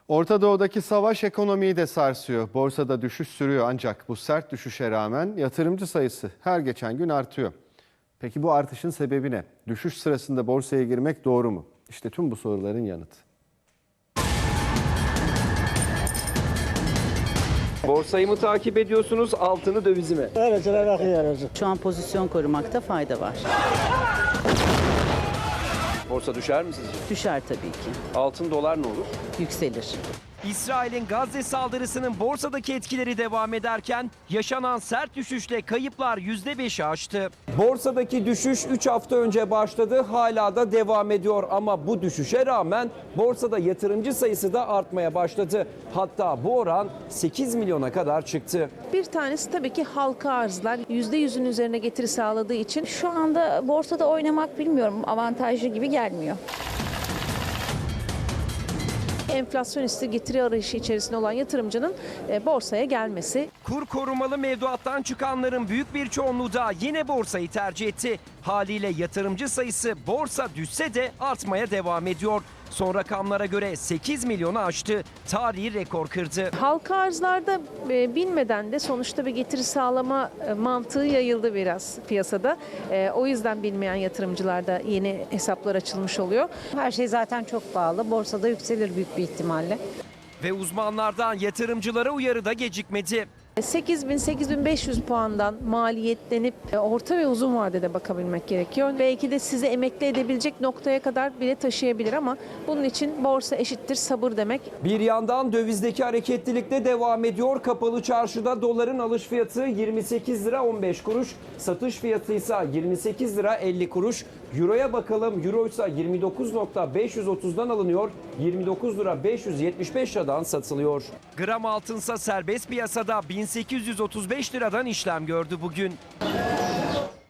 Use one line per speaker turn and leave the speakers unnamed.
Orta Doğu'daki savaş ekonomiyi de sarsıyor. Borsada düşüş sürüyor ancak bu sert düşüşe rağmen yatırımcı sayısı her geçen gün artıyor. Peki bu artışın sebebi ne? Düşüş sırasında borsaya girmek doğru mu? İşte tüm bu soruların yanıtı.
Borsayı mı takip ediyorsunuz, altını dövizi mi?
Öylesine bakıyoruz.
Şu an pozisyon korumakta fayda var.
Borsa düşer mi sizce?
Düşer tabii ki.
Altın dolar ne olur?
Yükselir.
İsrail'in Gazze saldırısının borsadaki etkileri devam ederken yaşanan sert düşüşle kayıplar %5'i aştı.
Borsadaki düşüş 3 hafta önce başladı, hala da devam ediyor ama bu düşüşe rağmen borsada yatırımcı sayısı da artmaya başladı. Hatta bu oran 8 milyona kadar çıktı.
Bir tanesi tabii ki halka arzlar %100'ün üzerine getiri sağladığı için
Şu anda borsada oynamak bilmiyorum avantajlı gibi gelmiyor.
enflasyonisti getiri arayışı içerisinde olan yatırımcının borsaya gelmesi.
Kur korumalı mevduattan çıkanların büyük bir çoğunluğu da yine borsayı tercih etti. Haliyle yatırımcı sayısı borsa düşse de artmaya devam ediyor. Son rakamlara göre 8 milyonu aştı. Tarihi rekor kırdı.
Halka arzlarda bilmeden de sonuçta bir getiri sağlama mantığı yayıldı biraz piyasada. O yüzden bilmeyen yatırımcılarda yeni hesaplar açılmış oluyor.
Her şey zaten çok pahalı. Borsada yükselir büyük bir ihtimalle.
Ve uzmanlardan yatırımcılara uyarı da gecikmedi.
8.000-8.500 puandan maliyetlenip orta ve uzun vadede bakabilmek gerekiyor. Belki de sizi emekli edebilecek noktaya kadar bile taşıyabilir ama bunun için borsa eşittir sabır demek.
Bir yandan dövizdeki hareketlilik de devam ediyor. Kapalı çarşıda doların alış fiyatı 28 lira 15 kuruş, satış fiyatı ise 28 lira 50 kuruş. Euro'ya bakalım. Euro ise 29.530'dan alınıyor, 29 lira 575 liradan satılıyor.
Gram altınsa serbest piyasada 1835 liradan işlem gördü bugün.